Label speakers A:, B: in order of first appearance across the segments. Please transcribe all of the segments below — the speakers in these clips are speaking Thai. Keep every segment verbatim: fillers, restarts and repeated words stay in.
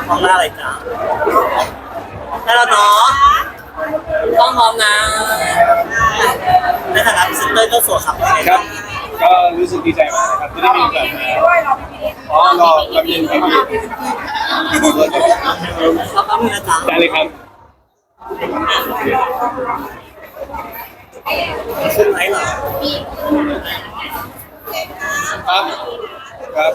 A: มองหน้าอะไรจ้าได้แล้วเนาะต้องพร้อมนะในฐานะพรีเซนเตอร์เจ้าสัวครับ
B: ครับก็รู้สึกดีใจมากนะครับที่ได้มีโอกาสมาอ๋อรอรอเย็นครับพี่
A: เราต้องมีนะจ๊ะ
B: ได้เลยครับ
A: ขึ้นไหมเหรอ
B: ครับครับ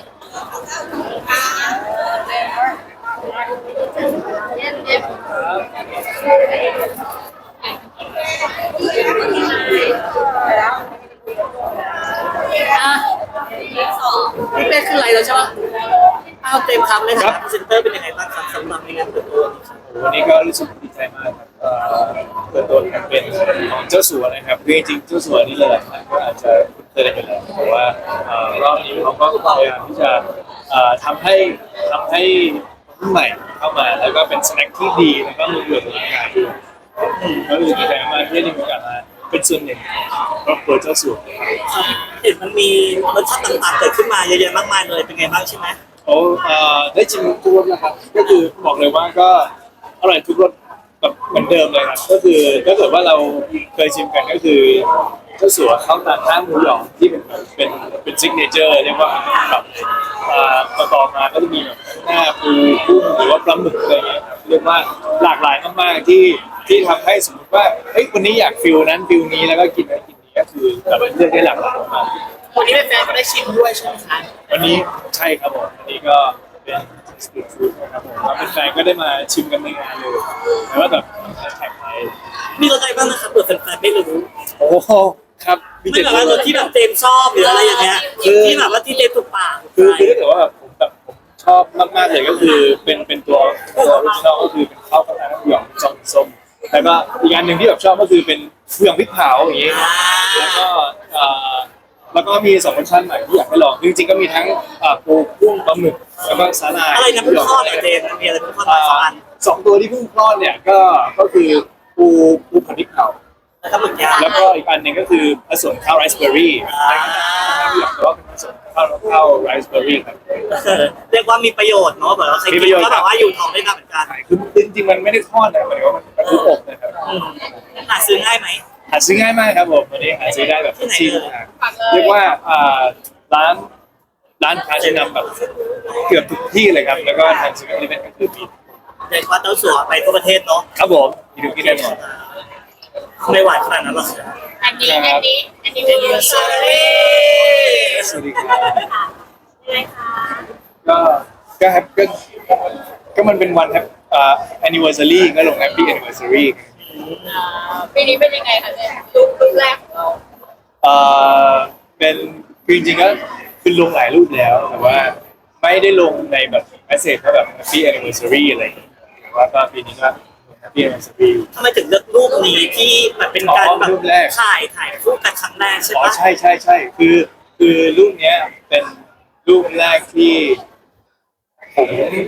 A: พี่เป้ขึ้นไรแล้วใช่ปะอ้าวเต็มคำเลยค่ะพรีเซนเตอร์เป็นยังไงบ้างครับสำหรับในงานเปิดตัว
B: วันนี้ก็รู้สึกดีใจมากครับเปิดตัวแคมเปญของเจ้าสัวนะครับคือจริงๆเจ้าสัวนี่หลายๆท่านก็อาจจะคุ้นเคยกันอยู่แล้วแต่ว่ารอบนี้เขาก็พยายามที่จะทำให้ทำให้รุ่นใหม่เข้ามาแล้วก็เป็นสแน็คที่ดีแล้วก็มีประโยชน์ต่อร่างกายก็รู้สึกดีใจมากที่ได้มีโอกาสมาเป็นส่วนหนึ่งของครอบครัวเจ้าสัว
A: เห็นมันมีรสชาติต่างๆเกิดขึ้นมาเยอะๆมากมายเลยเป็นไงบ้างใช่ไหม
B: โอ้ได้ชิมทุกรสนะครับก็คือบอกเลยว่าก็อร่อยทุกรสแบบเหมือนเดิมเลยครับก็คือถ้าเกิดว่าเราเคยชิมกันก็คือเจ้าสัวข้าวตันน้ำหมูหยองที่เป็นเป็นเป็นซิกเนเจอร์เรียกว่าแบบต่อต่อมาก็จะมีแบบหน้าปูกุ้งหรือว่าปลาหมึกอะไรเงี้ยเรียกว่าหลากหลายมากๆที่ที่ทำให้สมมติว่าเฮ้ยวันนี้อยากฟิลนั้นฟิลนี้แล้วก็กินอะไรกินนี้ก็คือแบบเลือกได้หลากหลายมาก
A: วันนี้แฟนๆก็ได้ชิมด้วยใช่ไหมคะ
B: วันนี้ใช่ครับผมวันนี้ก็เป็นสตรีทฟู้ดนะครับผมแล้วแฟนๆก็ได้มาชิมกันในงานเลยแต่ว่าแบบแท็กไป
A: มีรสอะไรบ้างนะครับเผื่อแฟนๆไม่รู้
B: โอ้ครับ
A: ไม่แบบว่ารสที่แบบเจมชอบหรืออะไรอย่างเงี้ยที่แบบว่าที่เจมถูกปาก
B: คือคือถ้าเกิดว่าผมแบบผมชอบมากๆเลยก็คือเป็นเป็นตัวตัวออริจินอลก็คือเป็นข้าวกระทะน้ำหยองซอสส้มแล้วก็อีกอันหนึ่งที่แบบชอบก็คือเป็นหยองพริกเผาอย่างงี้แล้วก็แล้วก็มีสองรสชาติใหม่ที่อยากให้ลองจริงๆก็มีทั้งปูกุ้งปลาหมึกแล้วก็สาหร่าย
A: อะไรนะเพิ่งทอดเนี่ยเจมมีอะไรเพิ่งทอดสองอัน
B: สองตัวที่เพิ่งทอดเนี่ยก็ก็คือปูปูผัดพริกเผา
A: แล้วก็หมึกย่าง
B: แล้วก็อีกอันหนึ่งก็คือผสมข้าวไรซ์เบอร์รี่แต่ว่าเป็นผสมข้าวข้าวไรซ์เบอร์รี่ครับ
A: เรียกว่ามีประโยชน์เนาะแบบว่าใครกินก็แบบว่าอยู่ท้องได้นานเหมือนกัน
B: คือจริงๆมันไม่ได้ทอดนะหมายถึงว่ามันเป็นทุกอบนะครับ
A: หาซื้อง่ายไหม
B: หาซื้อง่ายมากครับผมวันนี้หาซื้อได้แบบชิลเรียกว่าร้านร้านค้าชั้นนำแบบเกือบทุกที่เลยครับแล้วก็ทางซูเปอร์มาร์เก็ตก็คือมี
A: เรียกว่าเต้าสัวไปทั่วประเทศเนาะ
B: ครับผมมีทุกที่แน่นอน
A: ไม่หวานขนาดนั้นหรอก
C: อันนี้อันนี้อันนี้เป็นยูสรี
B: สวัสดีครับ
C: ยังไงคะ
B: ก็ก็แฮปก็ก็มันเป็นวันแฮปอ่า anniversary ก็ลง happy anniversary
C: ปีนี้เป็นยังไงคะเนี่ยรูปรูปแรกของเรา
B: เอ่อเป็นคือจริงๆก็คือลงหลายรูปแล้วแต่ว่าไม่ได้ลงในแบบเมสเซจว่าแบบ happy anniversary อะไรอย่างเงี้ยแต่ว่าก็ปีนี้ก็ happy anniversary
A: ทำไมถึงเลือกรูปนี้ที่แบบเป็นการแบบถ่ายถ่ายคู่กันครั้งแรกใช่ไหม
B: อ๋อใช่ใช่ใช่คือคือรูปเนี้ยเป็นรูปแรกที่ผม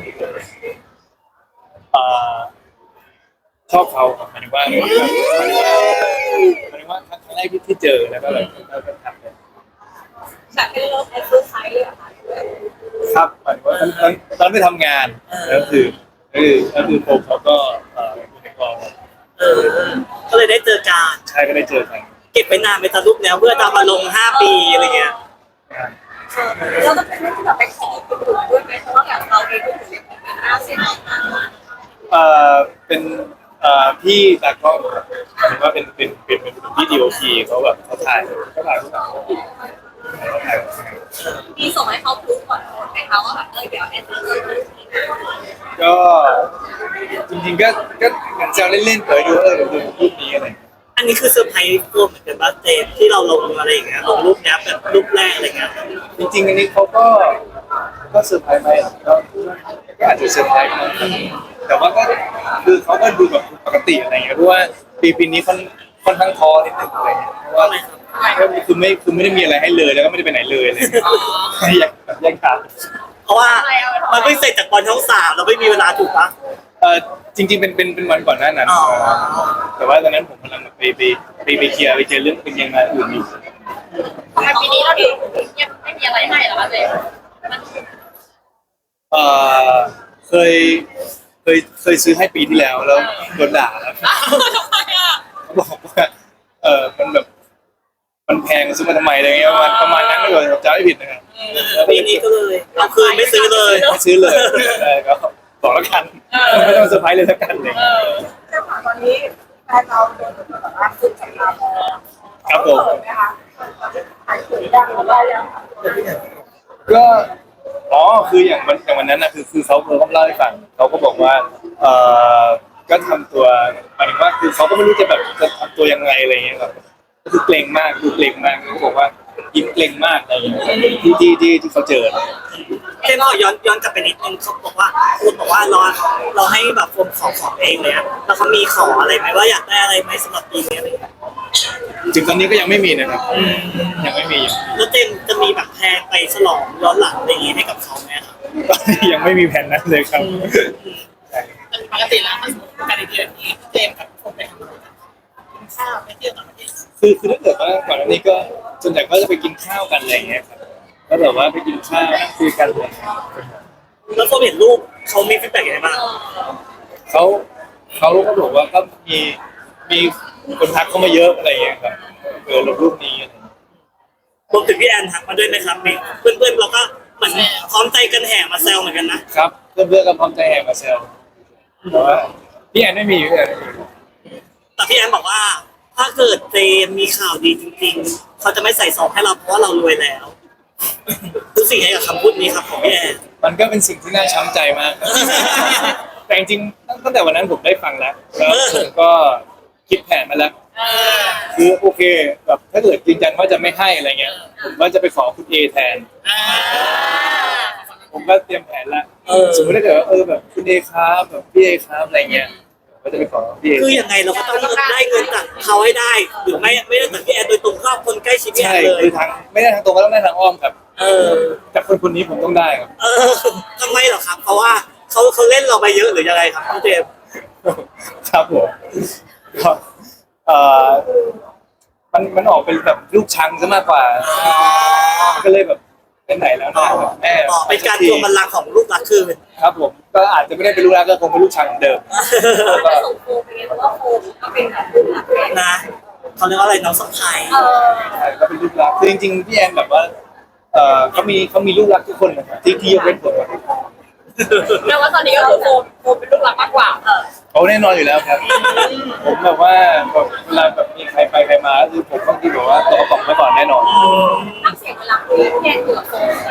B: ชอบเขาหมายถึงว่าหมายถึงว่าหมายถึงว่าครั้งแรกที่เจอแล้วก็แบบเราก็ทำเลย
C: จากที่เราไปซื้อไซส์เลยค่ะ
B: ครับหมายถึงว่าตอนตอนไปทำงานแล้วคือคือแล้วคือผมเขาก็อยู่ในกอง
A: เออก็เลยได้เจอกัน
B: ใช่ก็ได้เจอกัน
A: เก็บไปนานไปทะลุแล้วเพื่อจะมาลงห้าปีอะไรเงี้ย
C: เราจะเป็นเรื่องที่แบบไปขอคุณดูด้วยไหมเพราะว่าแบบเราเองก็ถือเป็นอาเซียน
B: เอ่อเป็นเอ่อพี่ตากล้องหมายถึงว่าเป็นเป็นเป็นเป็นพี่ดีโอพีเขาแบบเขาถ่ายเขาถ่ายเขาถ่ายเขาถ่าย
C: มีส่งให้เขาดูก่อนไหมคะว่าแบบเออเดี๋ยวแอน
B: ก็จริงๆก็ก็เหมือนแซวเล่นๆเผยดูเออเดี๋ยวดูรูปนี้อะไร
A: อันนี้คือเซอร์ไพรส์ตัวเหมือนกันบ้างเจมที่เราลงอะไรอย่างเงี้ยลงรูปนี้แบบรูปแรกอะไรเงี้ย
B: จริงๆอันนี้เขาก็ก็เซอร์ไพรส์ไหมก็ก็อาจจะเซอร์ไพรส์นะแต่ว่าก็คือเขาก็ดูแบบปกติอะไรเงี้ยเพราะว่าปีปีนี้ค่อนค่อนข้างท้อนิดนึงอะไรเงี้ยเพราะว่าก็คือไม่คือไม่ได้มีอะไรให้เลยแล้วก็ไม่ได้ไปไหนเลยเลยอยากแบบแยกทาง
A: เพราะว่ามันไม่เสร็จจากบอลช่องสามเราไม่มีเวลาถูกปะ
B: เออจริงๆเป็นเป็นเป็นวันก่อนหน้านั้นแต่ว่าตอนนั้นผมกำลังไปไปไปไปเคลียร์ไปเจอเรื่องเป็นยังไงอื่นอยู่
C: ทำไมปีนี้เราถึงยังไม่มีอะไรให้เหรอคะเจม
B: เอ่อเคยเคยเคยซื้อให้ปีที่แล้วแล้วโดนด่าแล้ว
C: อ้าวทำไมอ่ะ
B: เขาบอกว่าเออมันแบบมันแพงซื้อมาทำไมอะไรเงี้ยประมาณประมาณนั้นก็เลยจำไม่ผิดนะครับ
A: ปีนี้ก็เลยเอาคืนไม่ซื้อเลย
B: ไม่ซื้อเลยเออก็บอกแล้วกันไม่ต้องเซอร์ไพรส์เลยแล้วกันเลย
C: เออเจ้าของตอนนี้แฟนเราโดนแบบว่าขึ้นจากเรา
B: ครับผม
C: เปิดไหมคะขายสวยดังหรือว่ายัง
B: ก็อ๋อคืออย่างวันอย่างวันนั้นนะคือคือเขาเขาเล่าให้ฟังเขาก็บอกว่าเออก็ทำตัวหมายถึงว่าคือเขาก็ไม่รู้จะแบบจะทำตัวยังไงอะไรเงี้ยครับก็คือเกรงมากดูเกรงมากเขาบอกว่ายิ้มเกรงมากอะไรอย่างเงี้ยที่ที่ที่ที่เขาเจอ
A: เช่นขอย้อนย้อนกลับไปนิดนึงเขาบอกว่าคุณบอกว่าเราเราให้แบบโฟมขอของเองเลยอะแล้วเขามีขออะไรไหมว่าอยากได้อะไรไหมสำหรับปีนี้อะไรอย่างเงี้ย
B: ถึงตอนนี้ก็ยังไม่มีนะครับยังไม่มี
A: แล้วเจมส์จะมีแบบแพลนไปฉลองย้อนหลังอะไรอย่างงี้ให้กับเขาไหมครับ
B: ตอนนี้ยังไม่มีแผนนั้นเลยครับ
D: ปกติแล้วถ้าสมมติการเดือนนี้เจมส์กับผมไปทำอะไรกันกินข้าวไปเที่ยวต่างประเทศ
B: คือคือถ้าเกิดว่าก่อนหน้านี้ก็ส่วนใหญ่ก็จะไปกินข้าวกันอะไรอย่างเงี้ยครับแล้วแบบว่าไปกินข้าวนั่งคุยกันเลย
A: แล้วโฟมเห็นรูปเขามีฟีดแบ็กยังไงบ้าง
B: เขาเขาก็บอกว่าก็มีมีคนทักเข้ามาเยอะอะไรอย่างเงี้ยครับเออลงรูปนี้อะไรอย่างเงี้ย
A: รวมถึงพี่แอนทักมาด้วยไหมครับมีเพื่อนๆเราก็เหมือนพร้อมใจกันแห่มาแซวเหมือนกันนะครับ
B: เพื่อนเพื่อนๆก็พร้อมใจแห่มาแซวแต่ว่าพี่แอนไม่มีพี่แอนไม่มี
A: แต่พี่แอนบอกว่า ถ้าเกิดเจมส์มีข่าวดีจริงๆเขาจะไม่ใส่ซองให้เราเพราะว่าเรารวยแล้วรู้สึกยังไงกับคำพูดนี้ครับของพี่แอน
B: มันก็เป็นสิ่งที่น่าช้ำใจมาก แต่จริงๆตั้งแต่วันนั้นผมได้ฟังแล้วแล้วผมก็คิดแผนมาแล้ว
D: เออ
B: คือโอเคแบบถ้าเกิดยืนยันว่าจะไม่ให้อะไรเงี้ยผมก็จะไปขอคุณเอแทน
D: อ่า
B: ผมก็เตรียมแผนแล้ว
A: เออ
B: สมมติถ้าเกิดว่าเออแบบคุณเอครับแบบพี่เอครับอะไรเงี้ยก็จะไปขอพี่เอ
A: คือยังไงเราก็ต้องได้เงินจากเขาให้ได้หรือไม่ไม่ได้จากพี่แอนโดยตรงก็คนใกล้ชิดพี่แอ
B: ใช่
A: นเล
B: คื
A: ย
B: อทางไม่ได้ทางตรงก็ต้องได้ทางอ้อมครับ
A: เออ
B: จากคนคนนี้ผมต้องได้ครับ
A: เออทำไมเหรอครับ เพราะว่าเขาเขาเล่นเราไปเยอะหรือยังไงครับพี่เจมส์
B: ครับผมก็เอ่อมันมันออกเป็นแบบลูกชังซะมากกว่าก็เลยแบบเป็นไหนแล้วนะแบบแม่
A: ต่อเป็นการทวงบัลลังก์ของลูกรักคืน
B: ครับผมก็อาจจะไม่ได้เป็นลูกรักก็คงเป็นลูกชังเหมือนเดิม
C: จะส่งโฟมไปไงเพราะว่าโฟมก็เป็นแบบรุ่นหลักแฟน
A: นะเขาเรียกว่าอะไรน้องสะพาย
C: เออ
B: ใช่ก็เป็นลูกรักคือจริงๆพี่แอนแบบว่าเอ่อเขามีเขามีลูกรักทุกคนนะครับที่ที่ยกเว้นผมอะ
C: แต่ว่าตอนนี้ก็คือโฟมโฟมเป็นลูกหลักมากกว่าเออ
B: เขาแน่นอนอยู่แล้วครับ ผมแบบว่าแบบเวลาแบบมีใครไปใครมาก็คือผมต้องที่แบบว่าตัวกระป๋องไว้ก่อนแน่นอน
C: น้ำเสียงเวลาคุยแทนอยู่กับโฟม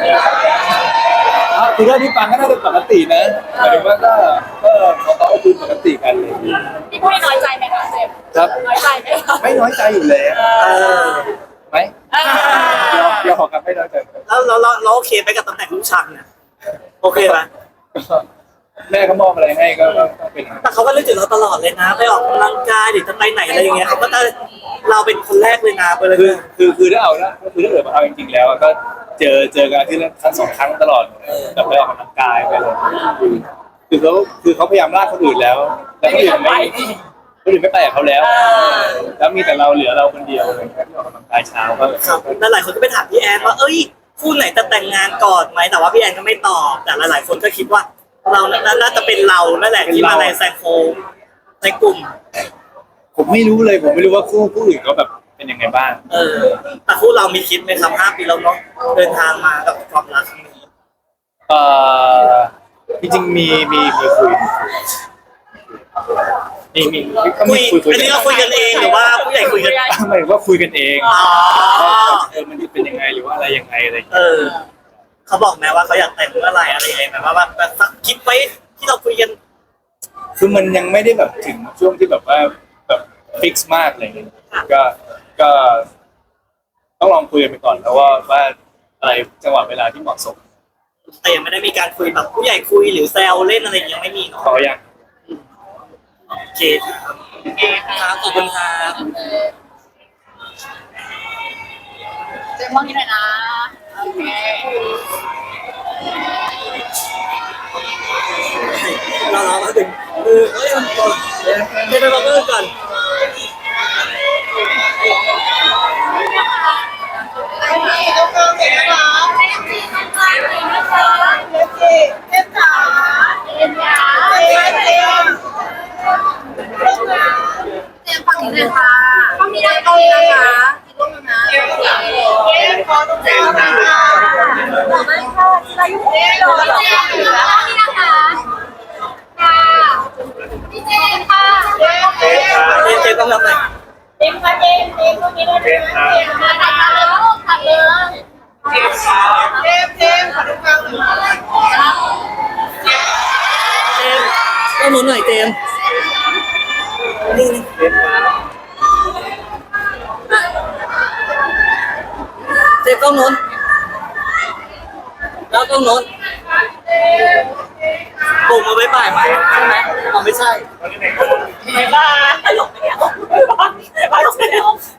B: อ่ะคือถ้าที่ฟังก็น่าจะปกตินะหมายถึงว่าก็ก็เขาก็คุยปกติกันเลย
C: พี่พูดน้อยใจไหมคะเจมส์
B: ครับ
C: น้อยใจไหมคะ
B: ไม่น้อยใจอยู่แล้ว
A: เออ
B: ไหม
C: เออย
B: อมยอมครับไม่น้อยใจครับ
A: แล้วเราเราเราโอเคไปกับตำแหน่งลูกชังเนี่ยโอเคไหม
B: ก็แม่เขามอบอะไรให้ก็ก็ก็เป็นอย่างนั้น
A: แต่เขาก็นึกถึงเราตลอดเลยนะ ไปออกกำลังกายหรือจะไปไหนอะไรอย่างเงี้ยเขาก็จะเราเป็นคนแรกเลยนะไปเลย
B: คือคือคือถ้าเอานะคือถ้าเกิดมาเอาจริงๆแล้วก็เจอเจอกันที่ละครั้งสองครั้งตลอดแบบไปออกกำลังกายไปเลยคือเขาคือเขาพยายามลากคนอื่นแล้ว แล้วคนอื่นไม่คนอื่นไม่ไปกับเขาแล้ว แล้วมีแต่เราเหลือเราคนเดียวเลยที่ออกกำลังกายเช้าก็
A: ครับแล้วหลายคนก็ไปถามพี่แอนว่าเอ้ยคู่ไหนจะแต่งงานก่อนไหมแต่ว่าพี่แอนก็ไม่ตอบแต่หลายๆคนก็คิดว่า เราน่าจะเป็นเรานั่นแหละที่มาในแซงโค้งในกลุ่ม
B: ผมไม่รู้เลยผมไม่รู้ว่าคู่คู่อื่นเขาแบบเป็นยังไงบ้าง
A: เออแต่คู่เรามีคิดไหมครับห้าปีแล้วเนาะเดินทางมากับความรักครั้งนี้
B: เอ่อจริงๆมีมีมีคุยมีมีก็
A: คุ
B: มี
A: ย
B: คุยคุย
A: อันนี้เราคุยกันเองหรือว่าผู้ใหญ่คุยกัน
B: หมายถึงว่าคุยกันเอง
A: อ๋อ
B: ว่าเออมันจะเป็นยังไงหรือว่าอะไรยังไงอะไรอย่าง
A: เอ
B: เงี้ย
A: อเขาบอกไหมว่าเขาอยากแต่งเมื่อไหร่อะไรยังไงแบบว่าแบบสักคิดไว้ที่เราคุยกัน
B: คือมันยังไม่ได้แบบถึงช่วงที่แบบว่าแบบฟิกซ์มากอะไรเงี้ยก็ก็ต้องลองคุยกันไปก่อนแล้วว่าว่าอะไรจังหวะเวลาที่เหมาะสม
A: แต่ยังไม่ได้มีการคุยแบบผู้ใหญ่คุยหรือแซวเล่นอะไรยังไม่มีเนาะ
B: ขอยัง
A: โอเคครับครับขอบคุณครับ
C: เจมส์มองนี่หน่อยนะโอเค
A: เราเรามาถึงเออเฮ้ยก่อนเดี๋ยวไปบอกเพื่อนก่อน
C: อันนี้ก็เพิ่มเห็นนะคะเจมส์จีนนะคะเจมส์นะคะเจมส์จีเจมส์จ๋าอยู่นี่เลยพี่นะคะค่ะพี่เจนค่ะเจน
A: เจมส์เจมส์ต้องรับเลย
C: เจนค่ะเจนเจนตรงนี้เลยเจนค่ะเจนมาถัดมาเลยลูกถัดเลยเจนเจนเจนขอดูกลางหน่อย
A: เจมส์ต้องหนุนหน่อยเจมส์นี่นี่เจมส์ต้องหนุนแล้วต้องหนุนปุ่มมาไว้บ่ายไหมใช่ไหมอ๋อไม่ใช่
C: บ๊ายบายตลกไม่เอาบ๊ายบายบ๊ายบาย